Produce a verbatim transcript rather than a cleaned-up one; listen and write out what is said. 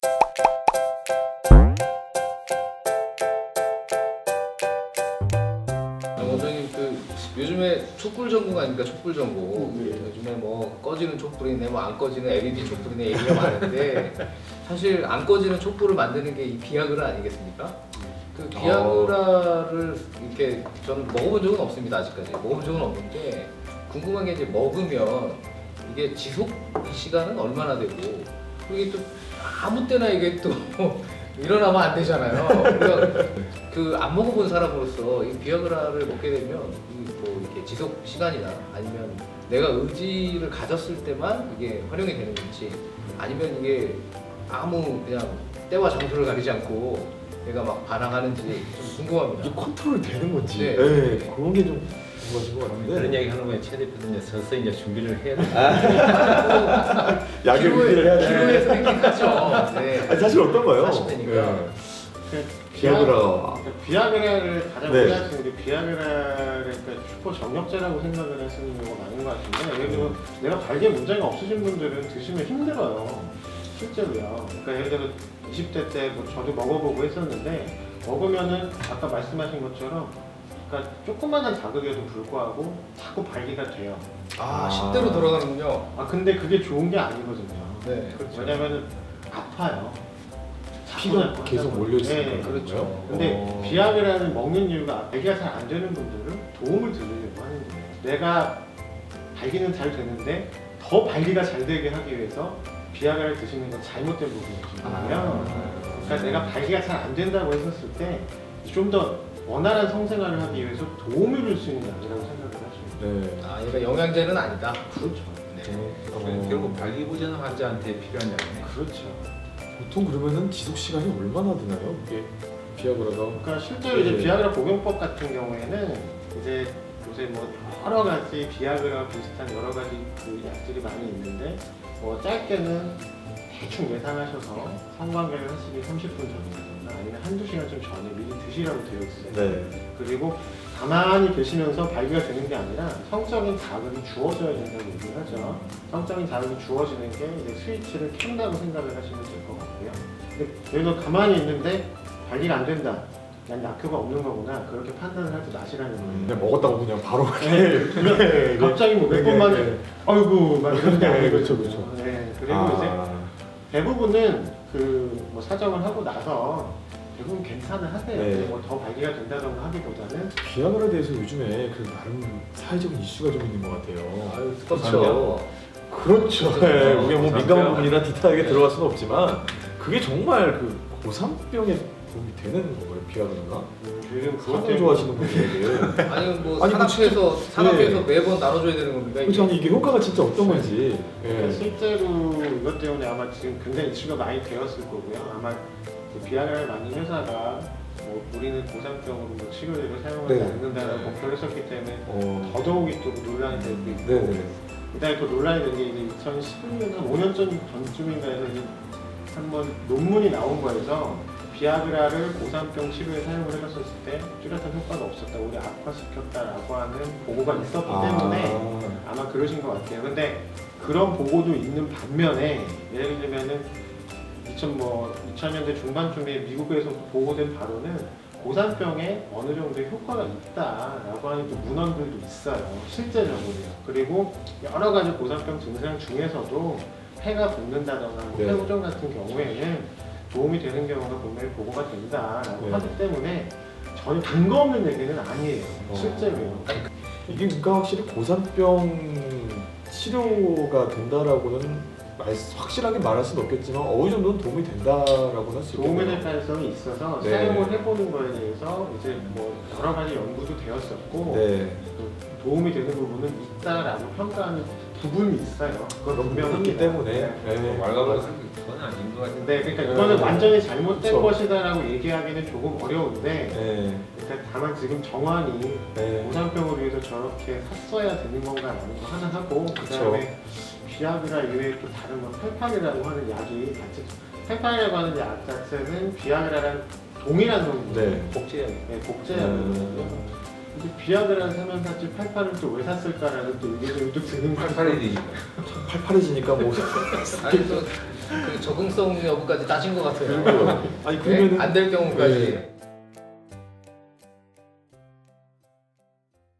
원장님 그 요즘에 촛불 전공 아닙니까? 촛불 전공. 네. 요즘에 뭐 꺼지는 촛불이네, 뭐 안 꺼지는 엘이디 촛불이네 얘기가 많은데 사실 안 꺼지는 촛불을 만드는 게 이 비아그라 아니겠습니까? 그 비아그라를 이렇게 저는 먹어본 적은 없습니다 아직까지. 먹어본 적은 없는데 궁금한 게 이제 먹으면 이게 지속 시간은 얼마나 되고 이게 또 아무 때나 이게 또 일어나면 안 되잖아요. 그러니까 그 안 먹어본 사람으로서 이 비아그라를 먹게 되면 뭐 이렇게 지속 시간이나 아니면 내가 의지를 가졌을 때만 이게 활용이 되는 건지 아니면 이게 아무 그냥 때와 장소를 가리지 않고 내가 막 반항하는지 좀 궁금합니다. 이게 컨트롤 되는 건지. 네. 네. 그런 게 좀 궁금하신 것 같은데. 그런 얘기 하는 거에 최 대표는 이제 서서히 이제 준비를 해야 돼. 아, 약을 준비를 해야 돼. 기로에서 있긴 하죠. 네. 아니, 사실 어떤가요? 사십 대니까. 네. 비아그라. 그러니까 비아그라를 가장 네. 오해하시는 게 비아그라를 그러니까 슈퍼 정력제라고 생각을 하시는 경우가 많은 것 같은데 예를 들어 내가 발기에 문제가 없으신 분들은 드시면 힘들어요. 실제로요. 그러니까 예를 들어 이십 대 때 뭐 저도 먹어보고 했었는데 먹으면은 아까 말씀하신 것처럼 그러니까 조그마한 자극에도 불구하고 자꾸 발기가 돼요. 아, 십 대로 돌아가는군요. 아 근데 그게 좋은 게 아니거든요. 네. 왜냐면은 아파요. 피가 자꾸 계속 하다 몰려있으니까. 보니. 네, 그렇죠. 근데 어. 비아그라는 먹는 이유가 발기가 잘 안 되는 분들은 도움을 드리려고 하는 거예요. 내가 발기는 잘 되는데 더 발기가 잘 되게 하기 위해서 비아그라를 드시는 건 잘못된 부분이거든요. 아. 그러니까 내가 발기가 잘 안 된다고 했었을 때 좀 더 원활한 성생활을 하기 위해서 도움을 줄 수 있는 약이라고 생각을 하시면 돼요. 네. 아, 그러니까 영양제는 아니다. 그렇죠. 네. 어. 결국 발기부전 환자한테 필요한 약이네. 그렇죠. 보통 그러면은 지속 시간이 얼마나 되나요? 이게 비아그라가. 그러니까 실제로 이제 네. 비아그라 복용법 같은 경우에는 이제 요새 뭐 여러 가지 비아그라 비슷한 여러 가지 그 약들이 많이 있는데 뭐 짧게는 대충 예상하셔서 성관계를 하시기 삼십 분 전이라든가 아니면 한두 시간 좀 전에 미리 드시라고 되어 있어요. 네. 그리고 가만히 계시면서 발기가 되는 게 아니라 성적인 자극이 주어져야 된다고 얘기를 하죠. 성적인 자극이 주어지는 게 이제 스위치를 켠다고 생각을 하시면 될 것 같고요. 근데 예를 들어 가만히 있는데 발기가 안 된다. 난 약효가 없는 거구나. 그렇게 판단을 할 때 마시라는 거예요. 그냥 먹었다고 그냥 바로. 그냥 네. 갑자기 뭐 몇 네, 번만 네. 아이고 막 이러는 게 네, 아니거든요. 그렇죠, 그렇죠. 네, 그리고 아. 이제 대부분은 그 뭐 사정을 하고 나서 대부분 괜찮을 하세요. 네. 뭐 더 발기가 된다던가 하기보다는 비아그라에 대해서 요즘에 그 나름 사회적인 이슈가 좀 있는 것 같아요. 아유, 그렇죠. 그렇죠. 네, 우리가 뭐 고산병. 민감한 부분이라 디테일하게 들어갈 수는 없지만 그게 정말 그 고산병에 도움이 되는 건가요, 비아그라가? 요즘 그것 사람 때문에 좋아하시는 분들에게. 아니 뭐 아니, 뭐 산업회에서 산업회에서 네. 매번 나눠줘야 되는 겁니까? 그렇죠. 아니 이게 효과가 진짜 어떤 건지. 그러니까 예. 실제로 이것 때문에 아마 지금 굉장히 이슈가 많이 되었을 거고요. 아마 그 비아그라를 만든 회사가 뭐 우리는 고산병으로 뭐 치료제를 사용하지 네. 않는다라는 네. 목표를 했었기 때문에 어. 더더욱이 또 논란이 되고 있고 네네. 그다음에 또 논란이 된 게 이제 이천십일 년 한 오 년 전 전쯤인가 해서 이제 한번 논문이 나온 거에서 비아그라를 고산병 치료에 사용을 해봤었을 때 뚜렷한 효과가 없었다, 오히려 악화시켰다라고 하는 보고가 있었기 때문에 아마 그러신 것 같아요. 근데 그런 보고도 있는 반면에 예를 들면은 이천 뭐 이천 년대 중반쯤에 미국에서 보고된 바로는 고산병에 어느 정도의 효과가 있다라고 하는 또 문헌들도 있어요. 실제적으로요. 그리고 여러 가지 고산병 증상 중에서도 폐가 붓는다거나 네. 폐고정 같은 경우에는 도움이 되는 경우가 분명히 보고가 된다라고 네. 하기 때문에 전혀 근거 없는 얘기는 아니에요. 어. 실제로요. 이게 그러니까 확실히 고산병 치료가 된다라고는 말, 확실하게 말할 수는 없겠지만 어느 정도는 도움이 된다라고는 할 수 도움이 있겠네요. 될 가능성이 있어서 네. 사용을 해보는 거에 대해서 이제 뭐 여러 가지 연구도 되었었고 네. 또 도움이 되는 부분은 있다라고 평가하는 부분이 있어요. 그건 그런 부분이 있기 분명합니다. 때문에. 네. 네. 말가부로 그건 아닌 것 같은데. 네, 그러니까 네. 이거는 완전히 잘못된 그쵸. 것이다라고 얘기하기는 조금 어려운데, 네. 그러니까 다만 지금 정환이 네. 고산병을 위해서 저렇게 샀어야 되는 건가라는 거 하나 하고, 그 다음에 비아그라 이외에 또 다른 뭐 펠판이라고 하는 약이 같이 펠판이라고 하는 약 자체는 비아그라랑 동일한 성분, 네. 복제약. 네, 복제약이거든요. 근데 비아그라를 사면 샀지 팔팔을 또 왜 샀을까라는 또 의견이 또 드는 거죠. 팔팔이 되니까. 팔팔해지니까 뭐 아니 또 그 적응성 여부까지 따진 것 같아요. 그리고 아니 그러면은 안 될 경우까지. 네.